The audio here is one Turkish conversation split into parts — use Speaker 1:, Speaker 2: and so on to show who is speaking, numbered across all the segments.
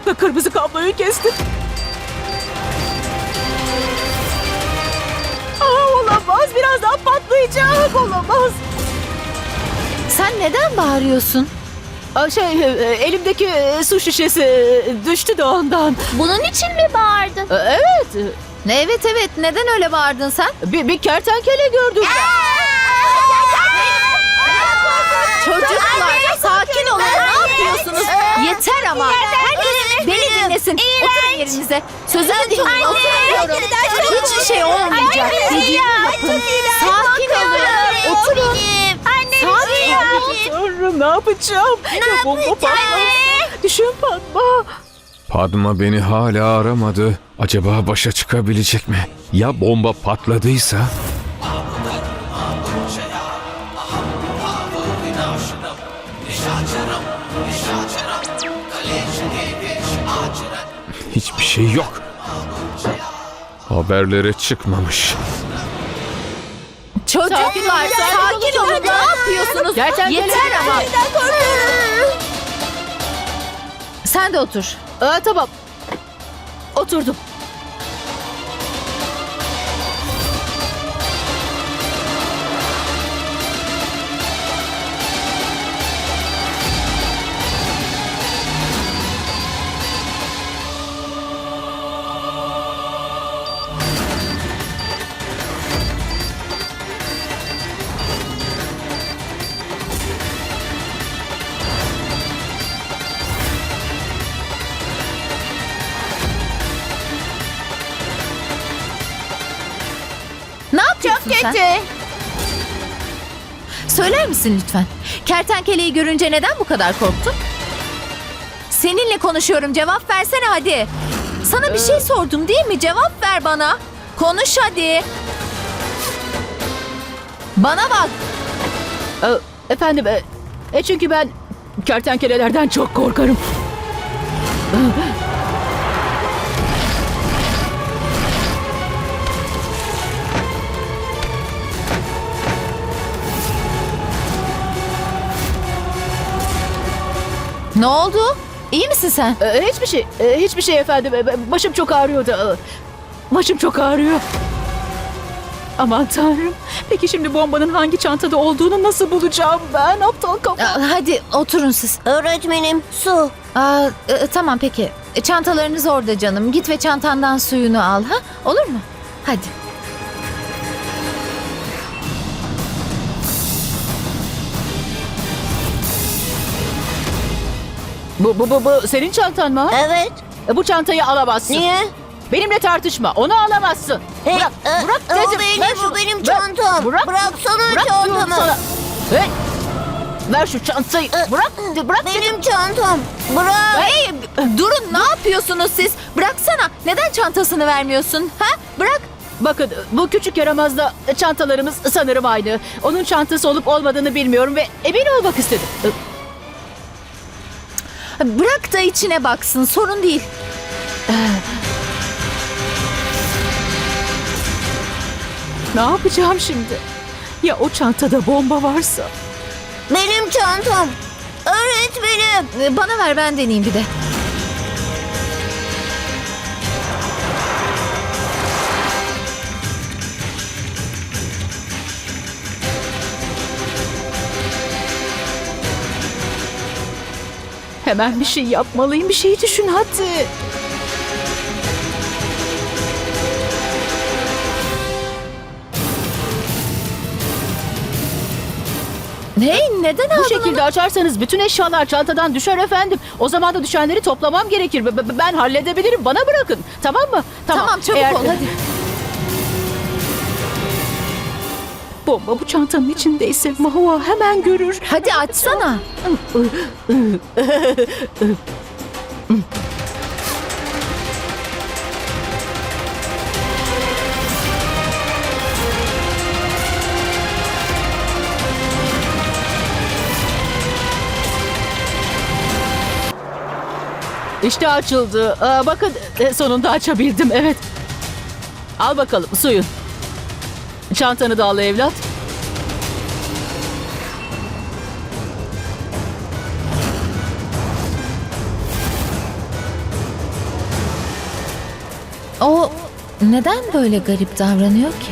Speaker 1: Kırmızı kabloyu kesti. Olamaz. Birazdan patlayacak. Olamaz.
Speaker 2: Sen neden bağırıyorsun?
Speaker 1: Elimdeki su şişesi düştü de ondan.
Speaker 3: Bunun için mi bağırdın?
Speaker 1: Evet.
Speaker 2: Evet, neden öyle bağırdın sen?
Speaker 1: Bir kertenkele gördüm.
Speaker 2: Çocuklar sakin olun, ne yapıyorsunuz? Yeter ama. Herkes beni dinlesin. Oturun yerinize. Sözümü dinleyin, oturun diyorum. Hiçbir şey olmayacak. Dediğimi yapın. Sakin olun. Oturun. Sakin olun.
Speaker 1: Tanrım, ne yapacağım? Ya bomba patlarsa? Düşün Padma.
Speaker 4: Padma beni hala aramadı. Acaba başa çıkabilecek mi? Ya bomba patladıysa? Hiçbir şey yok. Haberlere çıkmamış.
Speaker 2: Çocuklar sakin olun. Ne yapıyorsunuz?
Speaker 1: Kertenkele.
Speaker 2: Yeter ama. Sen de otur.
Speaker 1: Tamam. Oturdum.
Speaker 2: Ne yapıyorsun sen? Söyler misin lütfen? Kertenkeleyi görünce neden bu kadar korktun? Seninle konuşuyorum. Cevap versene hadi. Sana bir şey sordum değil mi? Cevap ver bana. Konuş hadi. Bana bak.
Speaker 1: Efendim, çünkü ben kertenkelelerden çok korkarım.
Speaker 2: Ne oldu? İyi misin sen?
Speaker 1: Hiçbir şey efendim. Başım çok ağrıyordu. Başım çok ağrıyor. Aman Tanrım. Peki şimdi bombanın hangi çantada olduğunu nasıl bulacağım ben? Aptal kafa.
Speaker 2: Hadi oturun siz.
Speaker 3: Öğretmenim, su.
Speaker 2: Tamam peki. Çantalarınız orada canım. Git ve çantandan suyunu al. Ha? Olur mu? Hadi.
Speaker 1: Bu senin çantan mı?
Speaker 3: Evet.
Speaker 1: Bu çantayı alamazsın.
Speaker 3: Niye?
Speaker 1: Benimle tartışma. Onu alamazsın. Bırak. Bırak
Speaker 3: O
Speaker 1: dedim.
Speaker 3: benim,
Speaker 1: Ver
Speaker 3: bu
Speaker 1: şunu.
Speaker 3: benim
Speaker 1: Ver.
Speaker 3: çantam.
Speaker 1: Bırak.
Speaker 3: Bıraksana
Speaker 1: Bırak diyorum
Speaker 3: çantamı.
Speaker 1: sana. Hey. Ver şu çantayı. Bırak. Bırak dedim.
Speaker 3: Benim çantam. Bırak.
Speaker 2: Hey, durun ne yapıyorsunuz siz? Bıraksana. Neden çantasını vermiyorsun? Ha? Bırak.
Speaker 1: Bakın, bu küçük yaramazla çantalarımız sanırım aynı. Onun çantası olup olmadığını bilmiyorum ve emin olmak istedim.
Speaker 2: Bırak da içine baksın. Sorun değil.
Speaker 1: Ne yapacağım şimdi? Ya o çantada bomba varsa?
Speaker 3: Benim çantam. Öğretmenim.
Speaker 2: Bana ver ben deneyeyim bir de.
Speaker 1: Hemen bir şey yapmalıyım. Bir şey düşün hadi.
Speaker 2: Hey, neden aldın
Speaker 1: Bu şekilde açarsanız bütün eşyalar çantadan düşer efendim. O zaman da düşenleri toplamam gerekir. Ben halledebilirim. Bana bırakın. Tamam mı?
Speaker 2: Tamam çabuk
Speaker 1: Eğer-
Speaker 2: ol hadi.
Speaker 1: Bomba bu çantanın içindeyse Mahua hemen görür.
Speaker 2: Hadi açsana.
Speaker 1: İşte açıldı. Bakın sonunda açabildim. Evet. Al bakalım suyun. Çantanı da al evlat.
Speaker 2: neden böyle garip davranıyor ki?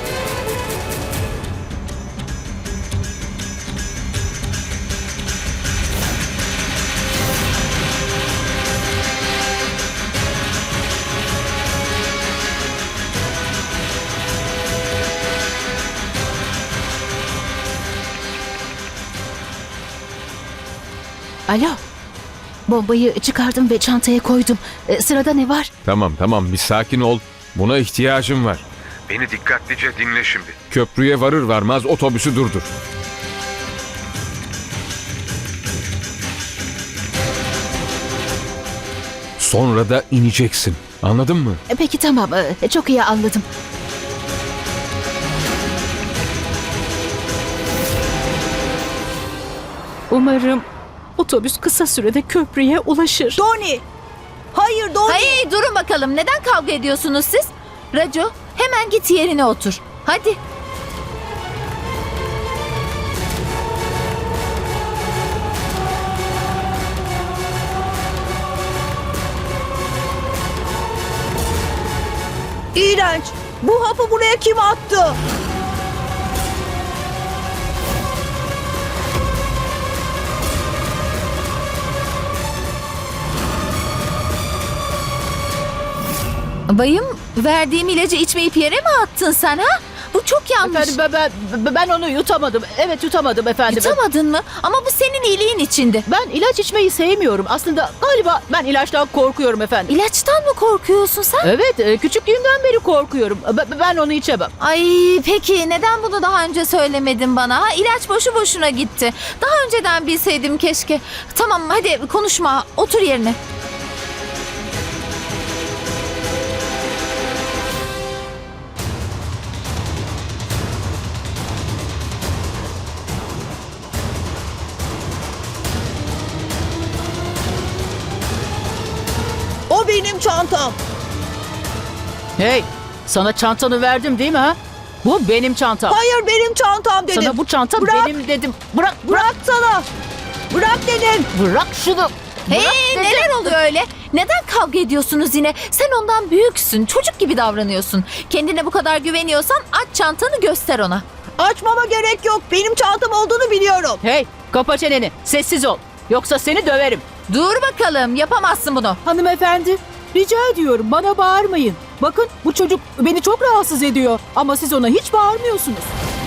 Speaker 1: Alo. Bombayı çıkardım ve çantaya koydum. Sırada ne var?
Speaker 4: Tamam bir sakin ol. Buna ihtiyacım var. Beni dikkatlice dinle şimdi. Köprüye varır varmaz otobüsü durdur. Sonra da ineceksin. Anladın mı?
Speaker 1: Peki tamam. Çok iyi anladım. Umarım otobüs kısa sürede köprüye ulaşır.
Speaker 5: Doni! Hayır Doni!
Speaker 2: Hayır, durun bakalım. Neden kavga ediyorsunuz siz? Raco, hemen git yerine otur. Hadi.
Speaker 5: İğrenç! Bu hapı buraya kim attı?
Speaker 2: Bayım, verdiğim ilacı içmeyip yere mi attın sen ha? Bu çok yanlış.
Speaker 1: Efendim ben onu yutamadım. Evet yutamadım efendim.
Speaker 2: Yutamadın mı? Ama bu senin iyiliğin içindi.
Speaker 1: Ben ilaç içmeyi sevmiyorum. Aslında galiba ben ilaçtan korkuyorum efendim.
Speaker 2: İlaçtan mı korkuyorsun sen?
Speaker 1: Evet, küçüklüğümden beri korkuyorum. Ben onu içemem.
Speaker 2: Ay peki neden bunu daha önce söylemedin bana? Ha? İlaç boşu boşuna gitti. Daha önceden bilseydim keşke. Tamam hadi konuşma. Otur yerine.
Speaker 5: O benim çantam.
Speaker 1: Hey, sana çantanı verdim değil mi ha? Bu benim çantam.
Speaker 5: Hayır benim çantam dedim.
Speaker 1: Sana bu çanta
Speaker 5: Bırak.
Speaker 1: benim dedim. Bırak.
Speaker 5: Bırak sana. Bırak dedim.
Speaker 1: Bırak şunu.
Speaker 2: Hey neler oluyor öyle? Neden kavga ediyorsunuz yine? Sen ondan büyüksün. Çocuk gibi davranıyorsun. Kendine bu kadar güveniyorsan aç çantanı göster ona.
Speaker 5: Açmama gerek yok. Benim çantam olduğunu biliyorum.
Speaker 1: Hey, kapa çeneni. Sessiz ol. Yoksa seni döverim.
Speaker 2: Dur bakalım yapamazsın bunu.
Speaker 1: Hanımefendi, rica ediyorum bana bağırmayın. Bakın bu çocuk beni çok rahatsız ediyor. Ama siz ona hiç bağırmıyorsunuz.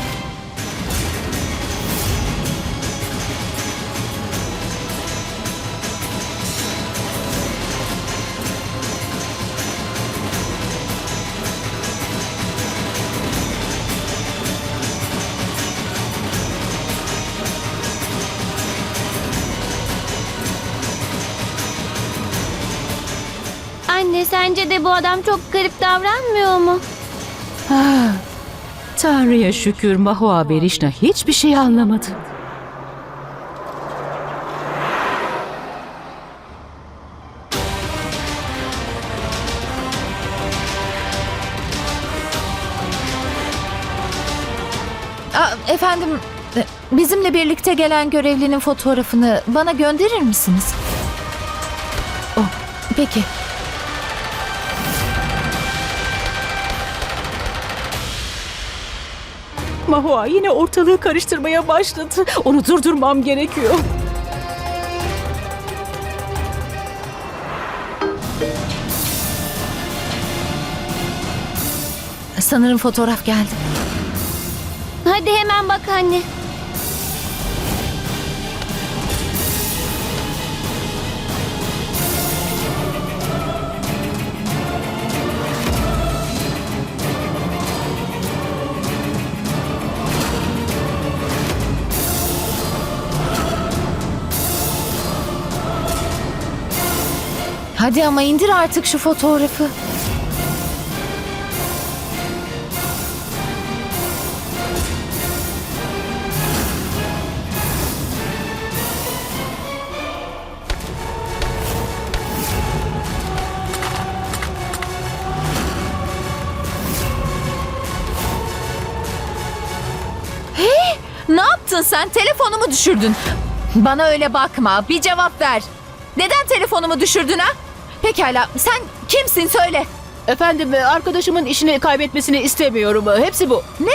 Speaker 3: Anne sence de bu adam çok garip davranmıyor mu?
Speaker 1: Tanrı'ya şükür Mahua Berişna hiçbir şey anlamadı.
Speaker 2: Efendim bizimle birlikte gelen görevlinin fotoğrafını bana gönderir misiniz? Oh, peki.
Speaker 1: Mahua yine ortalığı karıştırmaya başladı. Onu durdurmam gerekiyor.
Speaker 2: Sanırım fotoğraf geldi.
Speaker 3: Hadi hemen bak anne.
Speaker 2: Hadi ama indir artık şu fotoğrafı. Ne yaptın sen? Telefonumu düşürdün. Bana öyle bakma. Bir cevap ver. Neden telefonumu düşürdün ha? Pekala. Sen kimsin söyle.
Speaker 1: Efendim arkadaşımın işini kaybetmesini istemiyorum. Hepsi bu.
Speaker 2: Ne?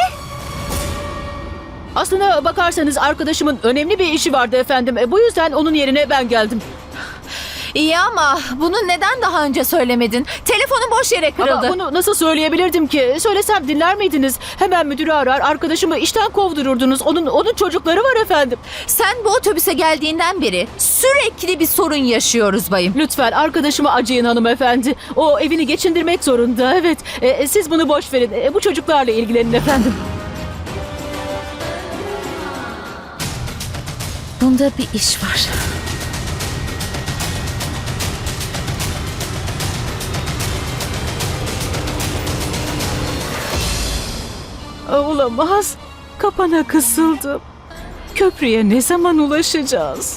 Speaker 1: Aslına bakarsanız arkadaşımın önemli bir işi vardı efendim. Bu yüzden onun yerine ben geldim.
Speaker 2: İyi ama bunu neden daha önce söylemedin? Telefonun boş yere kırıldı.
Speaker 1: Ama bunu nasıl söyleyebilirdim ki? Söylesem dinler miydiniz? Hemen müdürü arar, arkadaşımı işten kovdururdunuz. Onun çocukları var efendim.
Speaker 2: Sen bu otobüse geldiğinden beri sürekli bir sorun yaşıyoruz bayım.
Speaker 1: Lütfen arkadaşıma acıyın hanımefendi. O evini geçindirmek zorunda. Evet, siz bunu boş verin. Bu çocuklarla ilgilenin efendim.
Speaker 2: Bunda bir iş var.
Speaker 1: Olamaz. Kapana kısıldım. Köprüye ne zaman ulaşacağız?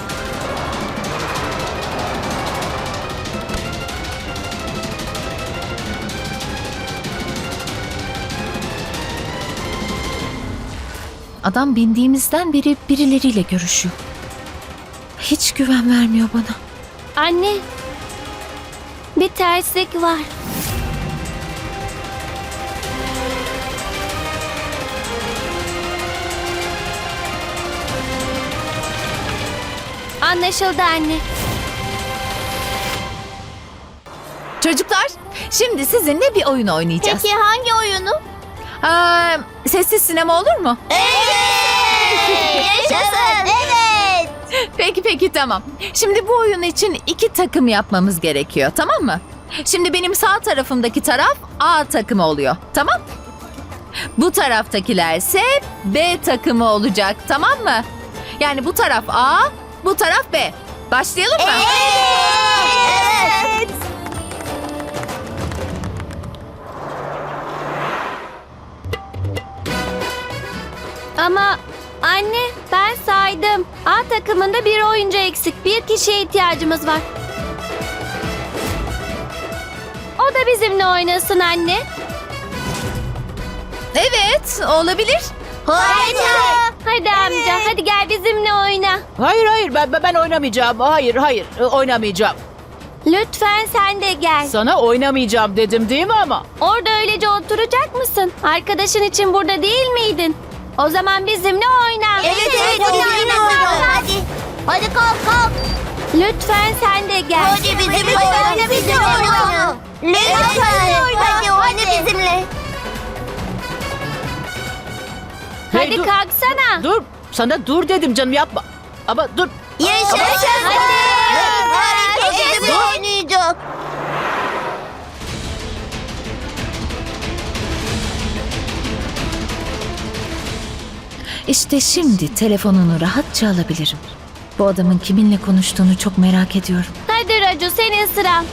Speaker 2: Adam bindiğimizden beri birileriyle görüşüyor. Hiç güven vermiyor bana.
Speaker 3: Anne, bir terslik var. Anlaşıldı anne.
Speaker 2: Çocuklar, şimdi sizinle bir oyun oynayacağız.
Speaker 3: Peki hangi oyunu?
Speaker 2: Sessiz sinema olur mu?
Speaker 3: Yaşasın. Evet.
Speaker 2: Peki tamam. Şimdi bu oyun için 2 takım yapmamız gerekiyor, tamam mı? Şimdi benim sağ tarafımdaki taraf A takımı oluyor, tamam? Bu taraftakilerse B takımı olacak, tamam mı? Yani bu taraf A, bu taraf B. Başlayalım mı?
Speaker 3: Evet. Ama anne ben saydım. A takımında bir oyuncu eksik. Bir kişiye ihtiyacımız var. O da bizimle oynasın anne.
Speaker 2: Evet, olabilir.
Speaker 3: Hadi amca hadi gel bizimle oyna.
Speaker 1: Hayır ben oynamayacağım. Hayır oynamayacağım.
Speaker 3: Lütfen sen de gel.
Speaker 1: Sana oynamayacağım dedim değil mi ama?
Speaker 3: Orada öylece oturacak mısın? Arkadaşın için burada değil miydin? O zaman bizimle oyna.
Speaker 6: Evet hadi. Hadi kalk.
Speaker 3: Lütfen sen de gel.
Speaker 6: Hadi bizimle oyna Lütfen hadi bizimle.
Speaker 1: Hey,
Speaker 3: Hadi
Speaker 1: dur,
Speaker 3: kalksana.
Speaker 1: Dur. Sana dur dedim canım yapma. Ama dur.
Speaker 6: Yaşasın. Herkes bizimle oynayacak.
Speaker 2: İşte şimdi telefonunu rahatça alabilirim. Bu adamın kiminle konuştuğunu çok merak ediyorum.
Speaker 3: Hadi Raju senin sıran.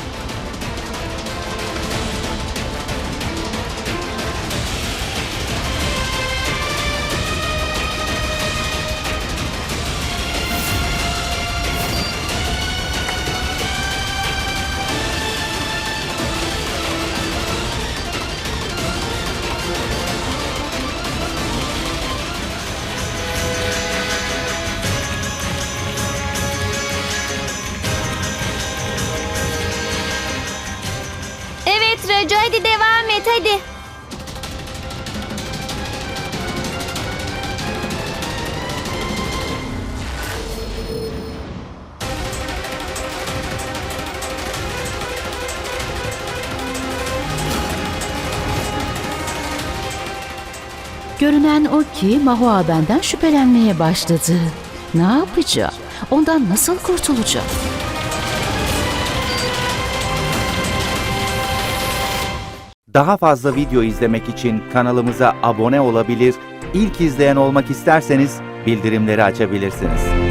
Speaker 3: Evet Raju hadi devam et hadi.
Speaker 1: Görünen o ki Mahua benden şüphelenmeye başladı. Ne yapacağım? Ondan nasıl kurtulacağım?
Speaker 7: Daha fazla video izlemek için kanalımıza abone olabilir, ilk izleyen olmak isterseniz bildirimleri açabilirsiniz.